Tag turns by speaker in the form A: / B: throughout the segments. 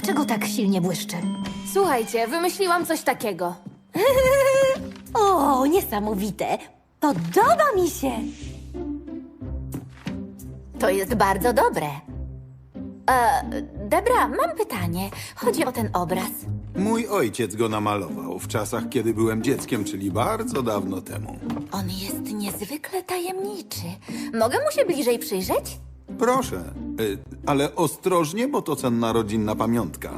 A: Dlaczego tak silnie błyszczy?
B: Słuchajcie, wymyśliłam coś takiego.
A: O, niesamowite! Podoba mi się!
B: To jest bardzo dobre. Debra, mam pytanie. Chodzi o ten obraz.
C: Mój ojciec go namalował w czasach, kiedy byłem dzieckiem, czyli bardzo dawno temu.
B: On jest niezwykle tajemniczy. Mogę mu się bliżej przyjrzeć?
C: Proszę, ale ostrożnie, bo to cenna rodzinna pamiątka.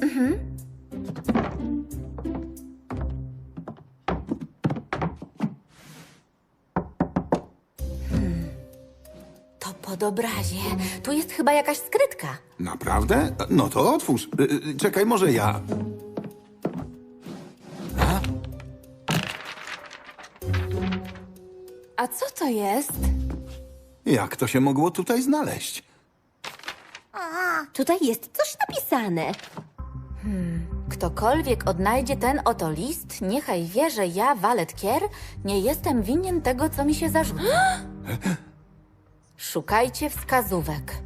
B: To pod obrazie. Tu jest chyba jakaś skrytka.
C: Naprawdę? No to otwórz. Czekaj, może ja.
B: A co to jest?
C: Jak to się mogło tutaj znaleźć?
A: Tutaj jest coś napisane.
B: Ktokolwiek odnajdzie ten oto list, niechaj wie, że ja, Valet Kier, nie jestem winien tego, co mi się zarzuca. Szukajcie wskazówek.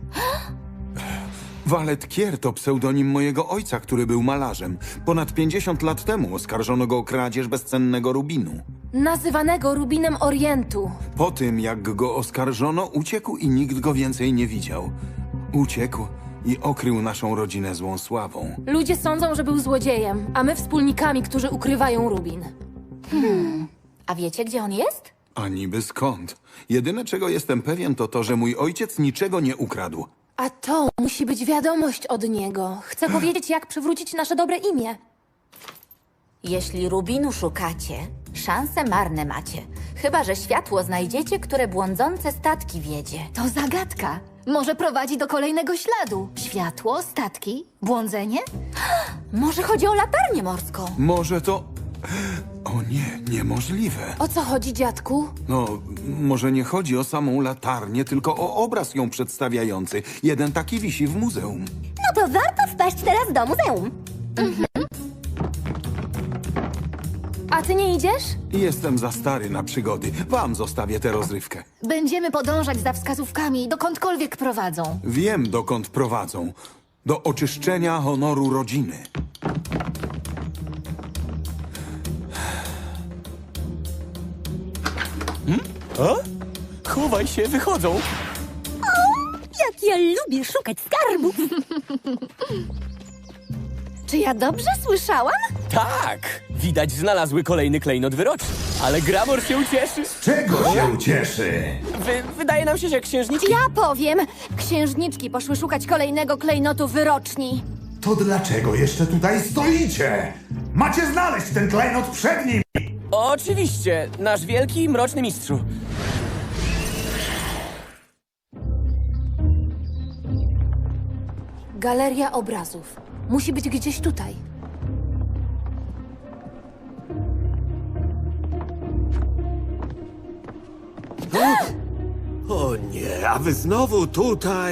C: Valet Kier to pseudonim mojego ojca, który był malarzem. Ponad 50 lat temu oskarżono go o kradzież bezcennego rubinu.
B: Nazywanego Rubinem Orientu.
C: Po tym, jak go oskarżono, uciekł i nikt go więcej nie widział. Uciekł i okrył naszą rodzinę złą sławą.
B: Ludzie sądzą, że był złodziejem, a my wspólnikami, którzy ukrywają Rubin. A wiecie, gdzie on jest?
C: A niby skąd? Jedyne, czego jestem pewien, to to, że mój ojciec niczego nie ukradł.
B: A to musi być wiadomość od niego. Chcę powiedzieć, jak przywrócić nasze dobre imię. Jeśli Rubinu szukacie, szanse marne macie. Chyba że światło znajdziecie, które błądzące statki wiedzie.
A: To zagadka. Może prowadzi do kolejnego śladu. Światło, statki, błądzenie?
B: Może chodzi o latarnię morską?
C: Może to... O nie, niemożliwe.
B: O co chodzi, dziadku?
C: No, może nie chodzi o samą latarnię, tylko o obraz ją przedstawiający. Jeden taki wisi w muzeum.
A: No to warto wpaść teraz do muzeum.
B: A ty nie idziesz?
C: Jestem za stary na przygody. Wam zostawię tę rozrywkę.
A: Będziemy podążać za wskazówkami, dokądkolwiek prowadzą.
C: Wiem, dokąd prowadzą. Do oczyszczenia honoru rodziny.
D: Chowaj się, wychodzą.
A: Jak ja lubię szukać skarbów. Czy ja dobrze słyszałam?
D: Tak, widać znalazły kolejny klejnot wyroczny. Ale Gramor się ucieszy.
E: Czego się ucieszy?
D: Wydaje nam się, że księżniczki...
B: Ja powiem! Księżniczki poszły szukać kolejnego klejnotu wyroczni.
E: To dlaczego jeszcze tutaj stoicie? Macie znaleźć ten klejnot przed nim!
D: Oczywiście, nasz wielki i mroczny mistrzu.
B: Galeria obrazów. Musi być gdzieś tutaj.
F: O nie, a wy znowu tutaj?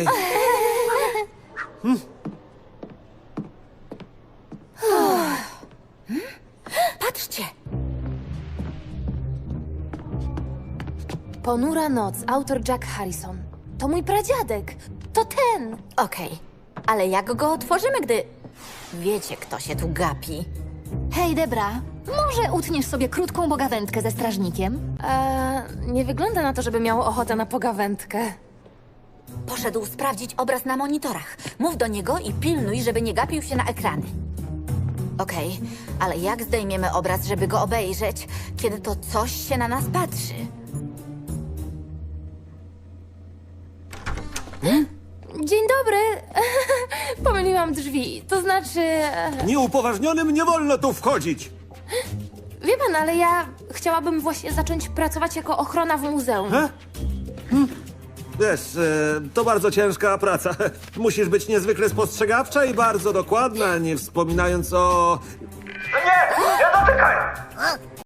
B: Patrzcie! Ponura noc, autor Jack Harrison. To mój pradziadek. To ten. Okej, ale jak go otworzymy, gdy... Wiecie, kto się tu gapi.
A: Hej, Debra, może utniesz sobie krótką pogawędkę ze strażnikiem?
B: Nie wygląda na to, żeby miał ochotę na pogawędkę. Poszedł sprawdzić obraz na monitorach. Mów do niego i pilnuj, żeby nie gapił się na ekrany. Okej, ale jak zdejmiemy obraz, żeby go obejrzeć, kiedy to coś się na nas patrzy? Dzień dobry. Pomyliłam drzwi. To znaczy...
F: Nieupoważnionym nie wolno tu wchodzić!
B: Wie pan, ale ja chciałabym właśnie zacząć pracować jako ochrona w muzeum.
F: Wiesz, to bardzo ciężka praca. Musisz być niezwykle spostrzegawcza i bardzo dokładna, nie wspominając o...
E: Nie! Nie dotykaj!